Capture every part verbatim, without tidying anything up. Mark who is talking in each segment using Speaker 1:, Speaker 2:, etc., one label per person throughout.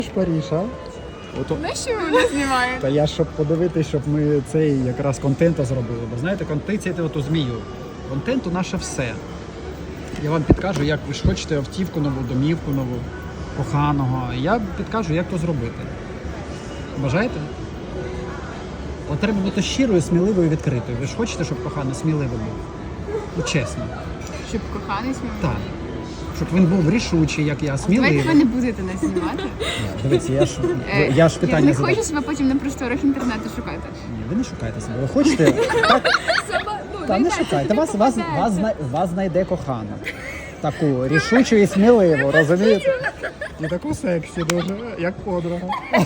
Speaker 1: Париж, а? Ото...
Speaker 2: На що ви мене знімаєте?
Speaker 1: Та я щоб подивитись, щоб ми цей якраз контент зробили. Бо знаєте, контент оту змію. Контент у наше все. Я вам підкажу, як ви ж хочете автівку нову, домівку нову, коханого. Я підкажу, як то зробити. Бажаєте? От треба бути щирою, сміливою, відкритою. Ви ж хочете, щоб коханий сміливий був? Ну, чесно.
Speaker 2: Щоб коханий сміливий?
Speaker 1: Так. Щоб він був рішучий, як я, сміливий.
Speaker 2: Давайте ви не будете нас знімати.
Speaker 1: Дивіться, я ж,
Speaker 2: Е,
Speaker 1: я ж питання
Speaker 2: не
Speaker 1: задав.
Speaker 2: хочу себе потім на просторах інтернету шукати.
Speaker 1: Ні, ви не шукайте себе. Ви хочете? Так, та не шукайте. Вас, вас, вас, зна- вас знайде кохана. Таку рішучу і сміливу, розумієте? І таку сексі дуже, як подруга.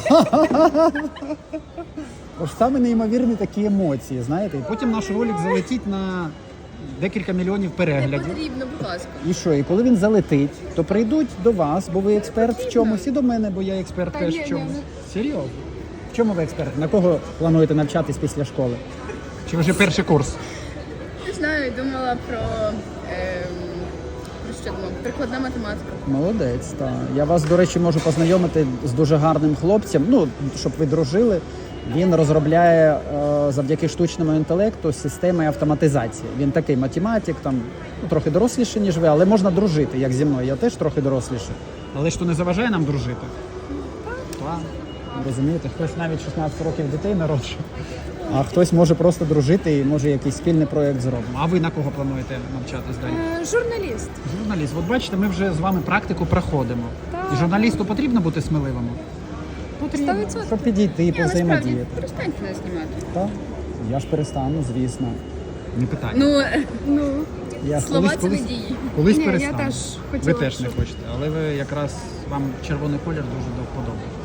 Speaker 1: Ось саме неймовірні такі емоції, знаєте. І потім наш ролик залетить на декілька мільйонів переглядів.
Speaker 2: Потрібно, будь ласка.
Speaker 1: І що? І коли він залетить, то прийдуть до вас, бо ви експерт в чомусь, і до мене, бо я експерт
Speaker 2: Та
Speaker 1: теж
Speaker 2: ні,
Speaker 1: в
Speaker 2: ні,
Speaker 1: чомусь.
Speaker 2: ну.
Speaker 1: Серйозно? В чому ви експерт? На кого плануєте навчатись після школи? Чи вже перший курс?
Speaker 2: Не знаю, думала про... Ем, про що думала? Прикладна математика.
Speaker 1: Молодець, так. Я вас, до речі, можу познайомити з дуже гарним хлопцем, ну, щоб ви дружили. Він розробляє е, завдяки штучному інтелекту системи автоматизації. Він такий математик, там, ну, трохи доросліший, ніж ви, але можна дружити, як зі мною. Я теж трохи доросліший. Але ж то не заважає нам дружити? Так. Розумієте, хтось навіть шістнадцять років дітей народжує, а хтось може просто дружити і може якийсь спільний проєкт зробимо. А ви на кого плануєте навчатись далі?
Speaker 2: Е, журналіст.
Speaker 1: Журналіст. От бачите, ми вже з вами практику проходимо. І журналісту потрібно бути сміливим? Потрібно,
Speaker 2: сто відсотків.
Speaker 1: щоб підійти,
Speaker 2: Ні, насправді,
Speaker 1: повзаємодіяти.
Speaker 2: перестаньте нас знімати.
Speaker 1: Так? Я ж перестану, звісно. Не питання.
Speaker 2: Ну, ну,
Speaker 1: я
Speaker 2: слова
Speaker 1: колись,
Speaker 2: це не
Speaker 1: колись,
Speaker 2: дії.
Speaker 1: колись
Speaker 2: Ні, я
Speaker 1: перестану.
Speaker 2: теж
Speaker 1: ви
Speaker 2: хотіла,
Speaker 1: теж не
Speaker 2: щоб-
Speaker 1: хочете, але ви якраз вам червоний колір дуже до вподоби.